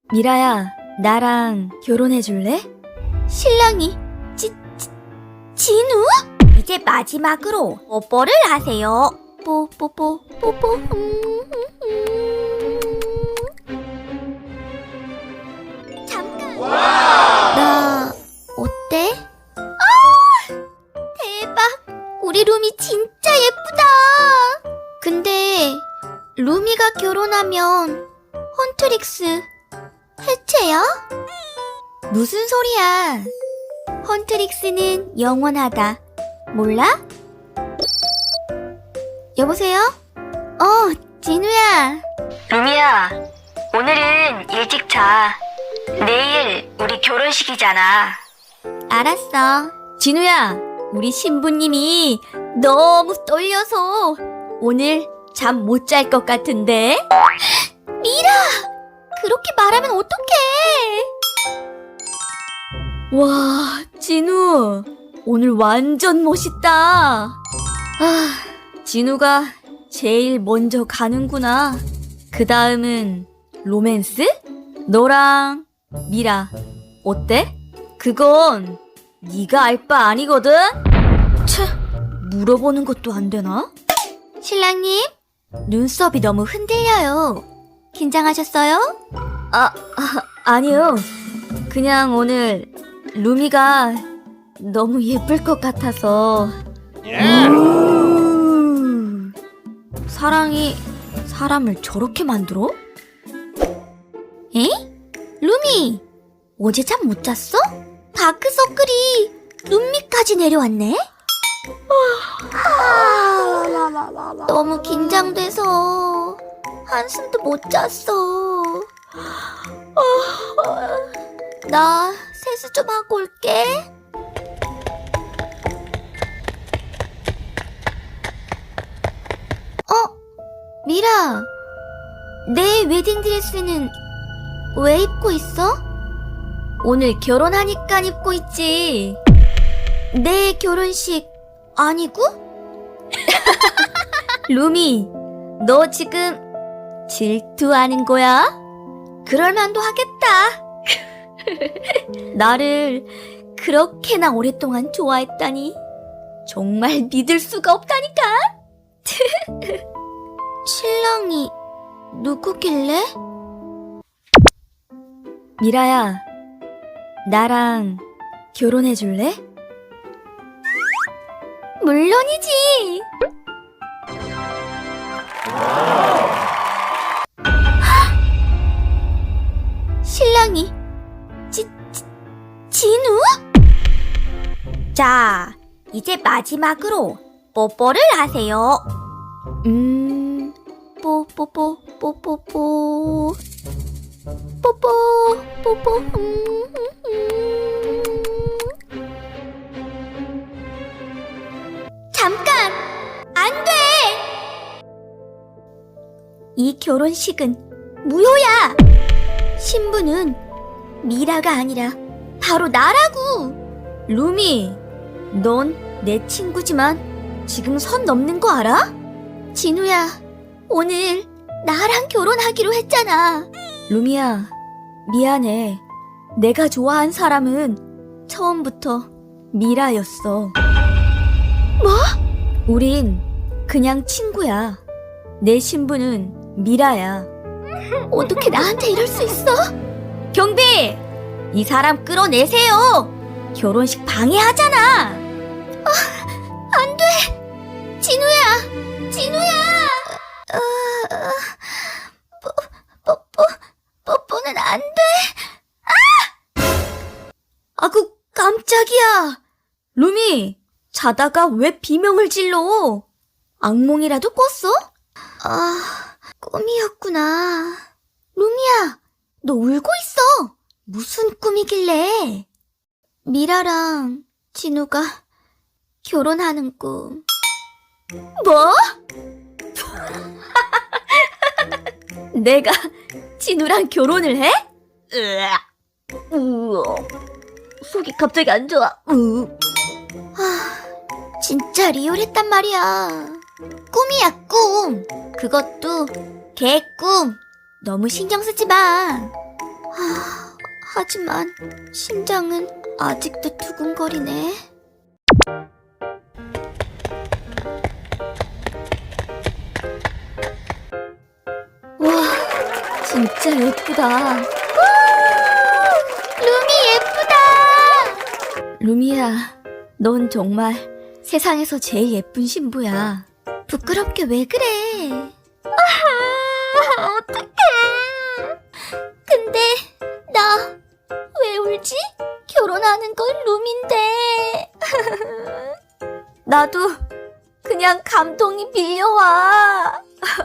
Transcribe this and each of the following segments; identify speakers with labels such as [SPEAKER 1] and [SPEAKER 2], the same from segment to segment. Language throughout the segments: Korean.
[SPEAKER 1] 미라야, 나랑 결혼해줄래?
[SPEAKER 2] 신랑이 진우? 이제 마지막으로 뽀뽀를 하세요. 뽀뽀뽀. 잠깐. 나 어때? 대박. 우리 루미 진짜 예쁘다. 근데 루미가 결혼하면 헌트릭스 해체야? 무슨 소리야? 헌트릭스는 영원하다. 몰라? 여보세요? 진우야.
[SPEAKER 1] 루미야, 오늘은 일찍 자. 내일 우리 결혼식이잖아.
[SPEAKER 2] 알았어.
[SPEAKER 1] 진우야, 우리 신부님이 너무 떨려서 오늘 잠 못 잘 것 같은데?
[SPEAKER 2] 미라! 그렇게 말하면 어떡해?
[SPEAKER 1] 와, 진우, 오늘 완전 멋있다. 진우가 제일 먼저 가는구나. 그 다음은 로맨스? 너랑 미라, 어때? 그건 네가 알 바 아니거든? 물어보는 것도 안 되나?
[SPEAKER 2] 신랑님, 눈썹이 너무 흔들려요. 긴장하셨어요?
[SPEAKER 1] 아니요. 그냥 오늘 루미가 너무 예쁠 것 같아서. 사랑이 사람을 저렇게 만들어?
[SPEAKER 2] 에? 루미, 어제 잠 못 잤어? 다크서클이 눈밑까지 내려왔네? 너무 긴장돼서 한숨도 못 잤어. 나 세수 좀 하고 올게. 미라, 내 웨딩드레스는 왜 입고 있어?
[SPEAKER 1] 오늘 결혼하니까 입고 있지.
[SPEAKER 2] 내 결혼식 아니고?
[SPEAKER 1] 루미, 너 지금 질투하는 거야?
[SPEAKER 2] 그럴만도 하겠다.
[SPEAKER 1] 나를 그렇게나 오랫동안 좋아했다니 정말 믿을 수가 없다니까.
[SPEAKER 2] 신랑이 누구길래?
[SPEAKER 1] 미라야, 나랑 결혼해줄래?
[SPEAKER 2] 물론이지. 신랑이 진우? 자, 이제 마지막으로 뽀뽀를 하세요. 뽀뽀뽀. 잠깐! 안 돼! 이 결혼식은 무효야! 신부는 미라가 아니라 바로 나라고!
[SPEAKER 1] 루미, 넌 내 친구지만 지금 선 넘는 거 알아?
[SPEAKER 2] 진우야, 오늘 나랑 결혼하기로 했잖아.
[SPEAKER 1] 루미야, 미안해. 내가 좋아한 사람은 처음부터 미라였어.
[SPEAKER 2] 뭐?
[SPEAKER 1] 우린 그냥 친구야. 내 신부는 미라야.
[SPEAKER 2] 어떻게 나한테 이럴 수 있어?
[SPEAKER 1] 경비! 이 사람 끌어내세요! 결혼식 방해하잖아!
[SPEAKER 2] 안 돼! 진우야! 뽀뽀는 안 돼!
[SPEAKER 1] 아구, 깜짝이야! 루미, 자다가 왜 비명을 질러? 악몽이라도 꿨어?
[SPEAKER 2] 꿈이었구나. 루미야, 너 울고 있어. 무슨 꿈이길래? 미라랑 진우가 결혼하는 꿈.
[SPEAKER 1] 뭐? 내가 진우랑 결혼을 해? 속이 갑자기 안 좋아.
[SPEAKER 2] 진짜 리얼했단 말이야. 꿈이야, 꿈. 그것도 개꿈. 너무 신경 쓰지 마. 하지만 심장은 아직도 두근거리네.
[SPEAKER 1] 와, 진짜 예쁘다.
[SPEAKER 2] 루미 예쁘다!
[SPEAKER 1] 루미야, 넌 정말 세상에서 제일 예쁜 신부야.
[SPEAKER 2] 부끄럽게 왜 그래? 어떡해. 근데 나 왜 울지? 결혼하는 건 루미인데.
[SPEAKER 1] 나도 그냥 감동이 밀려와.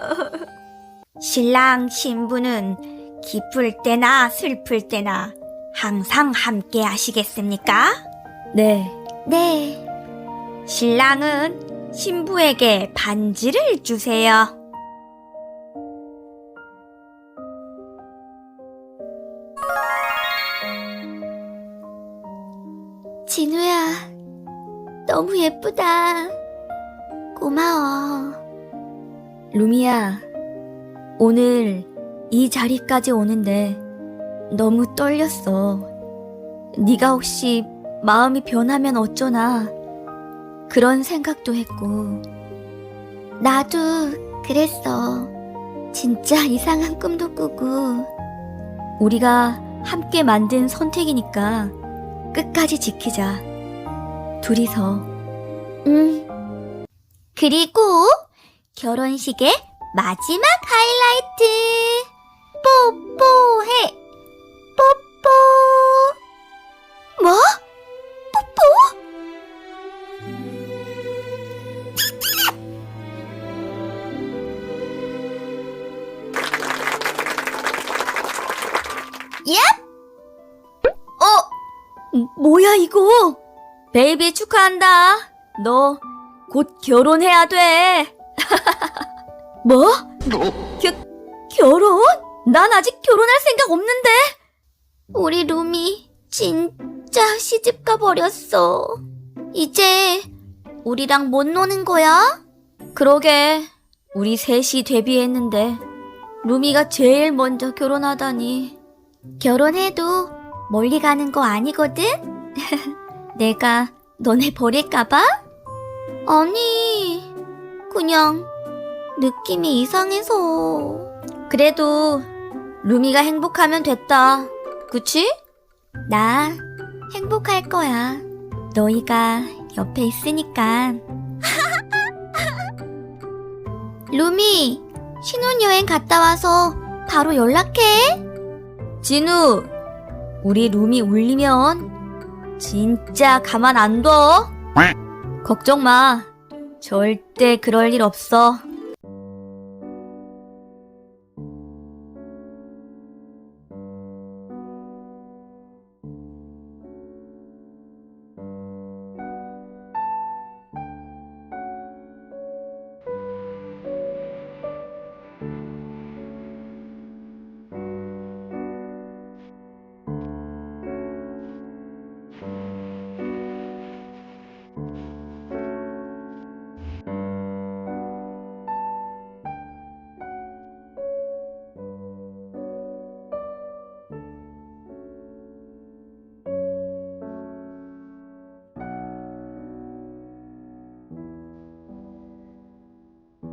[SPEAKER 1] 신랑 신부는 기쁠 때나 슬플 때나 항상 함께 하시겠습니까? 네.
[SPEAKER 2] 네.
[SPEAKER 1] 신랑은 신부에게 반지를 주세요.
[SPEAKER 2] 진우야, 너무 예쁘다. 고마워.
[SPEAKER 1] 루미야, 오늘 이 자리까지 오는데 너무 떨렸어. 네가 혹시 마음이 변하면 어쩌나 그런 생각도 했고.
[SPEAKER 2] 나도 그랬어. 진짜 이상한 꿈도 꾸고.
[SPEAKER 1] 우리가 함께 만든 선택이니까 끝까지 지키자. 둘이서.
[SPEAKER 2] 그리고 결혼식의 마지막 하이라이트. 뽀뽀해. 뽀뽀. 뭐? 뽀뽀? 얍!
[SPEAKER 1] 뭐야 이거? 베이비 축하한다. 너 곧 결혼해야 돼. 뭐? 결혼? 난 아직 결혼할 생각 없는데.
[SPEAKER 2] 우리 루미 진짜 시집가 버렸어. 이제 우리랑 못 노는 거야?
[SPEAKER 1] 그러게, 우리 셋이 데뷔했는데 루미가 제일 먼저 결혼하다니.
[SPEAKER 2] 결혼해도 멀리 가는 거 아니거든? 내가 너네 버릴까봐? 아니, 그냥 느낌이 이상해서.
[SPEAKER 1] 그래도 루미가 행복하면 됐다. 그치?
[SPEAKER 2] 나 행복할 거야. 너희가 옆에 있으니까. 루미, 신혼여행 갔다 와서 바로 연락해.
[SPEAKER 1] 진우, 우리 루미 울리면 진짜 가만 안 둬. 걱정 마. 절대 그럴 일 없어.